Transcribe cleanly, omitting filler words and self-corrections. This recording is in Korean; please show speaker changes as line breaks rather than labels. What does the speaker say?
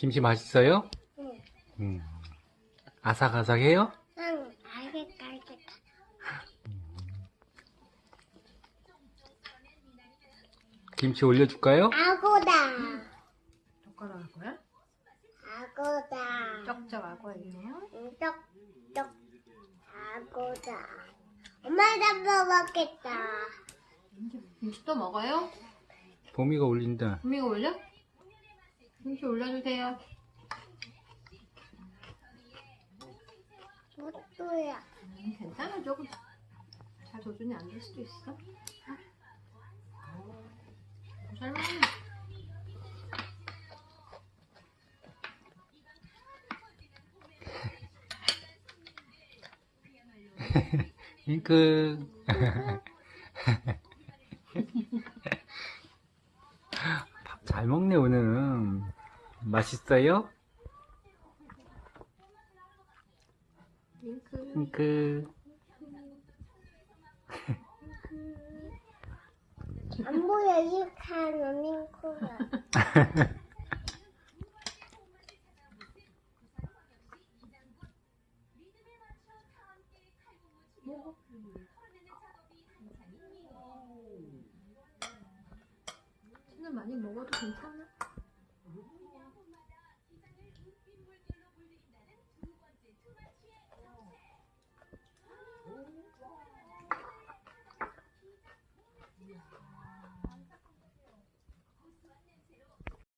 김치 맛있어요?
응.
아삭아삭해요?
응. 알겠다.
김치 올려줄까요?
아고다.
젓가락 할 거야?
아고다.
쩍쩍 하고 있네요.
떡떡. 아고다. 엄마 잡숴 먹겠다.
김치 또 먹어요?
봄이가 올린다.
구미가 올려? 김치 올려주세요.
뭐또야?
괜찮아, 조금 잘 조준이 안 될 수도 있어. 잘 먹네.
잉크. 밥 잘 먹네, 오늘은. 맛있어요?
윙크.
잉크.
안 보여 이 칸은 링크가.
치는 많이 먹어도 괜찮아.